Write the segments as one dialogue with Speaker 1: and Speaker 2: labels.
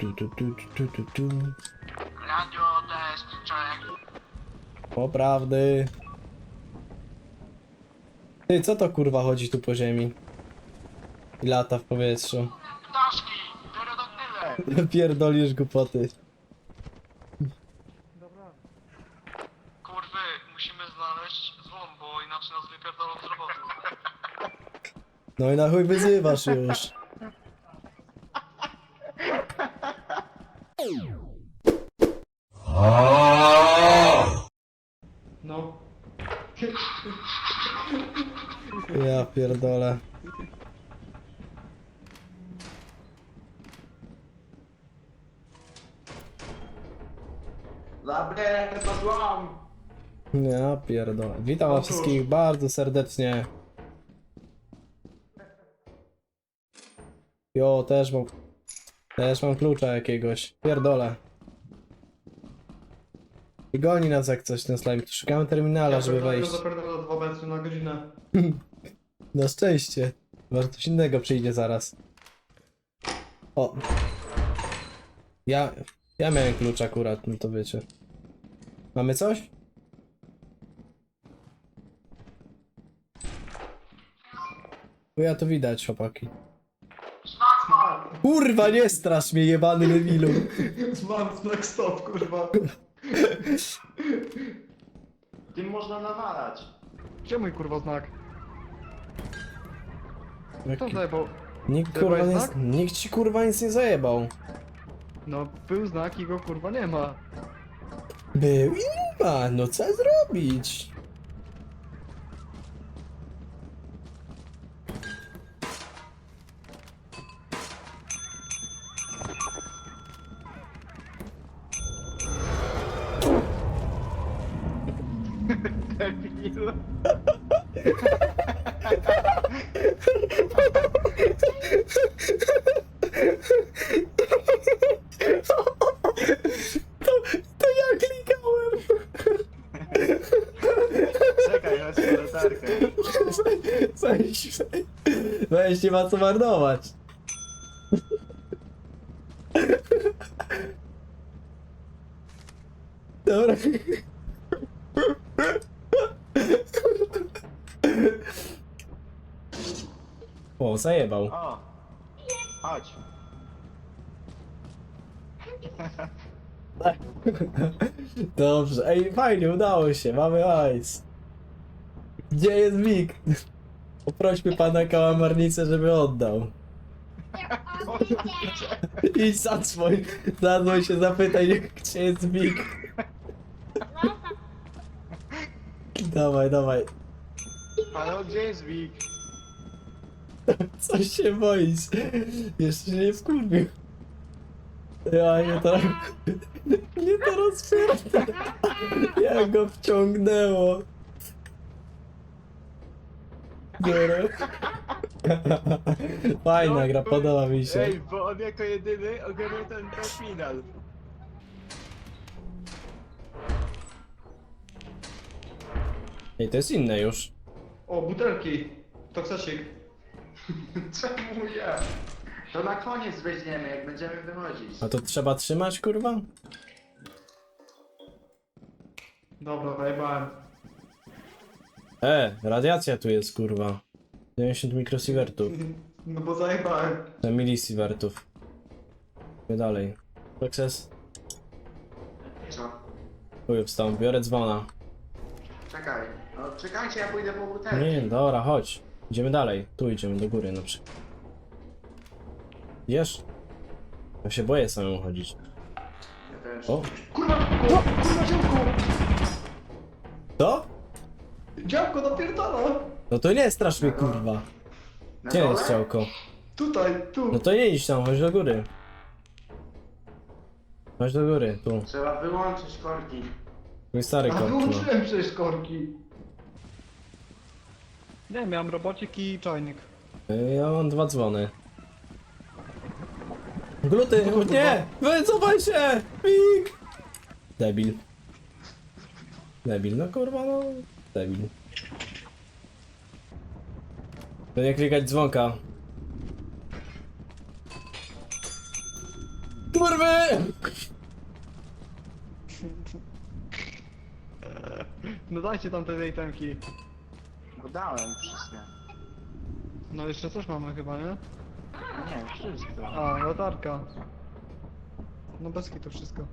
Speaker 1: Radio test, check.
Speaker 2: Poprawdy. Ty, co to kurwa chodzi tu po ziemi? I lata w powietrzu.
Speaker 1: Ptaszki, pterodaktyle.
Speaker 2: Pierdolisz głupoty.
Speaker 1: Kurwy, musimy znaleźć złom, bo inaczej nas wypierdolą z roboty.
Speaker 2: No i na chuj wyzywasz już.
Speaker 3: No.
Speaker 2: Ja pierdolę.
Speaker 3: Zabieraj to złam!
Speaker 2: Ja pierdolę. Witam was wszystkich bardzo serdecznie. Jo, też mam klucza jakiegoś. Pierdolę. I goni nas jak coś ten slime. Tu szukamy terminala, żeby wejść.
Speaker 3: Zapierdolę 2 metry na godzinę.
Speaker 2: Na szczęście. Może coś innego przyjdzie zaraz. O. Ja miałem klucz akurat, no to wiecie. Mamy coś? Ja to widać, chłopaki. Kurwa, nie strasz mnie, jebany lewilu.
Speaker 3: Mam znak stop, kurwa. Tym można nawalać. Gdzie mój kurwa znak? Kto zajebał?
Speaker 2: Nikt
Speaker 3: Zajebałeś
Speaker 2: kurwa
Speaker 3: znak?
Speaker 2: nikt ci kurwa nic nie zajebał.
Speaker 3: No był znak i go kurwa nie ma.
Speaker 2: Był i nie ma, no co zrobić?
Speaker 3: Debil.
Speaker 2: To ja klikałem.
Speaker 3: Czekaj, chodź po latarkę.
Speaker 2: Weź, nie ma co marnować. Dobra. O, zajebał.
Speaker 3: O! Chodź.
Speaker 2: Dobrze, ej, fajnie, udało się, mamy ice. Gdzie jest Wik? Poprośmy pana kałamarnicę, żeby oddał. Idź zadzwoń się, zapytaj, gdzie jest Wik. Dawaj.
Speaker 3: Halo, gdzie jest Wik?
Speaker 2: Coś się boisz. Jeszcze się nie wkurwił. Ja nie to... Nie to rozpierdolę. Jak go wciągnęło. Dobra. Fajna gra, podoba mi się.
Speaker 3: Ej, bo on jako jedyny ogarnął ten final.
Speaker 2: Ej, to jest inne już.
Speaker 3: O, butelki. Toksasik.
Speaker 4: Czemu ja? To na koniec weźmiemy, jak będziemy wychodzić.
Speaker 2: A to trzeba trzymać, kurwa?
Speaker 3: Dobra, zajebałem.
Speaker 2: Radiacja tu jest, kurwa. 90 mikrosievertów.
Speaker 3: No bo zajebałem.
Speaker 2: Milisievertów. Idę dalej. Sukces.
Speaker 4: Co?
Speaker 2: Chuj wstał, biorę dzwona.
Speaker 4: Czekaj. No czekajcie, ja pójdę po butelki.
Speaker 2: Nie, dobra, chodź. Idziemy dalej. Tu idziemy do góry na przykład. Idziesz? Ja się boję samemu chodzić.
Speaker 4: Ja też.
Speaker 2: O!
Speaker 3: Kurwa, kurwa działko!
Speaker 2: To?
Speaker 3: Działko napierdala!
Speaker 2: No to nie strasz mnie, kurwa.
Speaker 4: Na
Speaker 2: Gdzie
Speaker 4: dole?
Speaker 2: jest działko?
Speaker 3: Tutaj, tu.
Speaker 2: No to nie idź tam, chodź do góry. Chodź do góry, tu.
Speaker 4: Trzeba wyłączyć korki.
Speaker 2: Mój stary
Speaker 3: A
Speaker 2: kot, no.
Speaker 3: wyłączyłem przecież korki. Nie, miałem robocik i czajnik.
Speaker 2: Ja mam 2 dzwony. Gluty, nie! Wycofaj się! Pik! Debil. Debil, no kurwa, no. Debil. To nie klikać dzwonka. kurwy!
Speaker 3: No dajcie tam te itemki.
Speaker 4: Bo dałem wszystkie.
Speaker 3: No jeszcze coś mamy chyba, nie?
Speaker 4: Nie, wszystko.
Speaker 3: A, latarka. No bez to wszystko.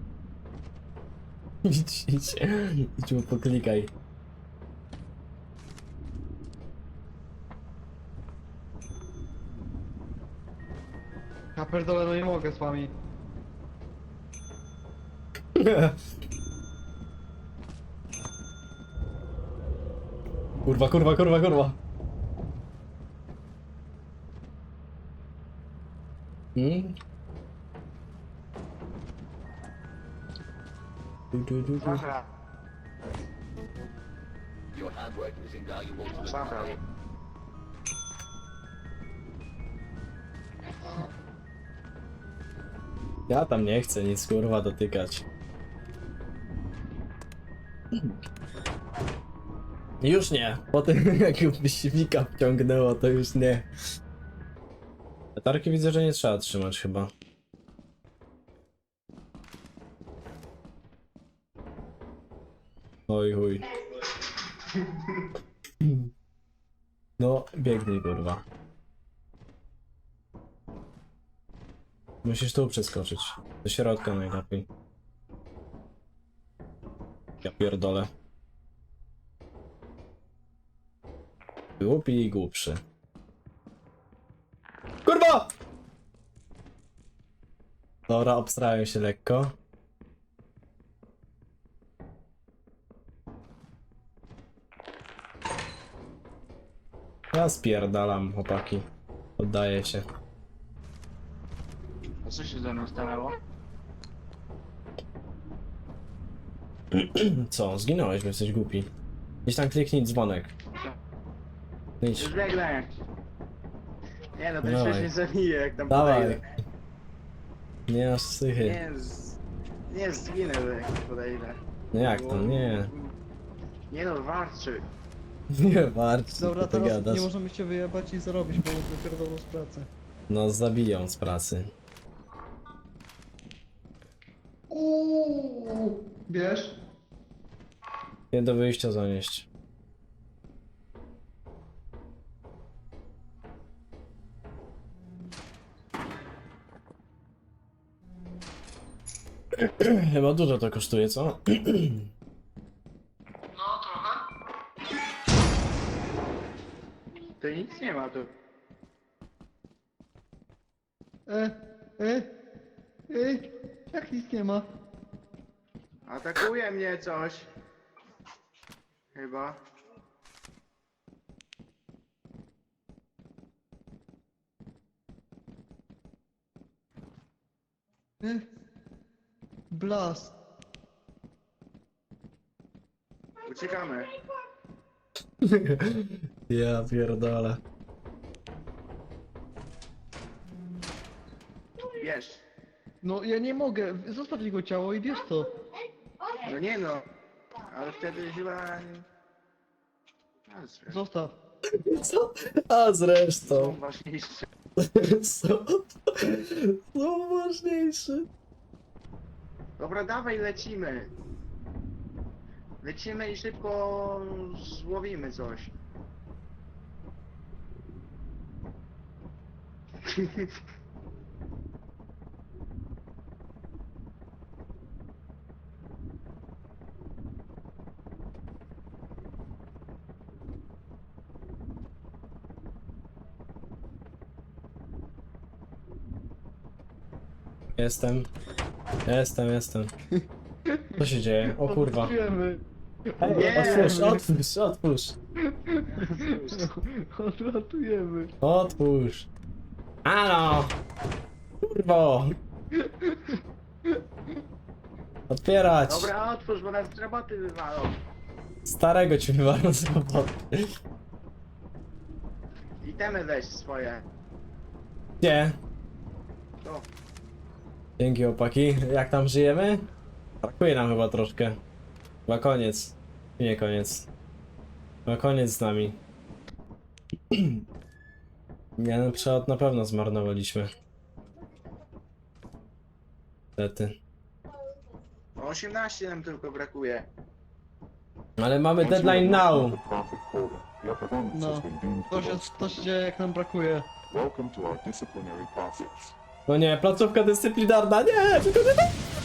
Speaker 2: Idź mu poklikaj.
Speaker 3: Ja pierdolę, no nie mogę z wami.
Speaker 2: Kurwa, kurwa, kurwa, kurwa. Hmm? Du.
Speaker 4: Zabrał. Zabrał.
Speaker 2: Ja tam nie chcę nic kurwa dotykać. Już nie. Po tym jak wysiłka wciągnęło, to już nie. Latarki widzę, że nie trzeba trzymać chyba. Oj chuj. No, biegnij kurwa. Musisz tu przeskoczyć. Do środka najlepiej. Ja pierdolę. Głupi i głupszy. Kurwa! Dobra, obstrałem się lekko. Ja spierdalam, chłopaki. Oddaję się.
Speaker 4: A co się ze mną stanęło?
Speaker 2: Co? Zginąłeś, bo jesteś głupi. Gdzieś tam kliknij dzwonek. Idź.
Speaker 4: Już biegnę. Nie no, ten
Speaker 2: Dawaj.
Speaker 4: przecież mnie zabije jak tam
Speaker 2: Dawaj.
Speaker 4: podejdę.
Speaker 2: Nie masz psychy.
Speaker 4: Nie zginę jak podejdę.
Speaker 2: No jak to? Nie.
Speaker 4: Nie no, warczy.
Speaker 2: Nie warto, co
Speaker 3: Dobra,
Speaker 2: ty
Speaker 3: teraz
Speaker 2: gadasz.
Speaker 3: nie możemy się wyjebać i zarobić, bo nas wypierdolą z pracy.
Speaker 2: No zabiją z pracy.
Speaker 3: Wiesz?
Speaker 2: Nie do wyjścia zanieść. Chyba dużo to kosztuje, co?
Speaker 1: No, trochę.
Speaker 4: To nic nie ma tu.
Speaker 3: E, e, jak nic nie ma?
Speaker 4: Atakuje mnie coś. Chyba.
Speaker 3: Blast.
Speaker 4: Uciekamy.
Speaker 2: Ja pierdolę.
Speaker 4: Wiesz.
Speaker 3: No ja nie mogę, zostaw jego ciało i bierz to.
Speaker 4: No nie no. Ale wtedy chyba... A, zresztą.
Speaker 3: Zostaw.
Speaker 2: Co? A
Speaker 4: Są
Speaker 2: zresztą.
Speaker 4: ważniejsze.
Speaker 2: Są ważniejsze.
Speaker 4: Dobra, dawaj, lecimy. Lecimy i szybko złowimy coś.
Speaker 2: Jestem. Jestem. Co się dzieje? O kurwa.
Speaker 3: Odlatujemy.
Speaker 2: Ej,
Speaker 4: Nie.
Speaker 2: otwórz.
Speaker 3: Odlatujemy.
Speaker 2: Otwórz. Halo! Kurwo! Otwierać!
Speaker 4: Dobra, otwórz, bo nas z roboty wywalą.
Speaker 2: Starego ci wywalą z roboty.
Speaker 4: Itemy weź swoje.
Speaker 2: Gdzie?
Speaker 4: To.
Speaker 2: Dzięki opaki. Jak tam żyjemy? Brakuje nam chyba troszkę. Chyba koniec. Nie koniec. Chyba koniec z nami. Jeden przelot na pewno zmarnowaliśmy. Niestety.
Speaker 4: 18 nam tylko brakuje.
Speaker 2: Ale mamy deadline now.
Speaker 5: No, to się dzieje jak nam brakuje.
Speaker 6: Welcome to our disciplinary process.
Speaker 2: No nie, placówka dyscyplinarna, nie! Tylko nie tak!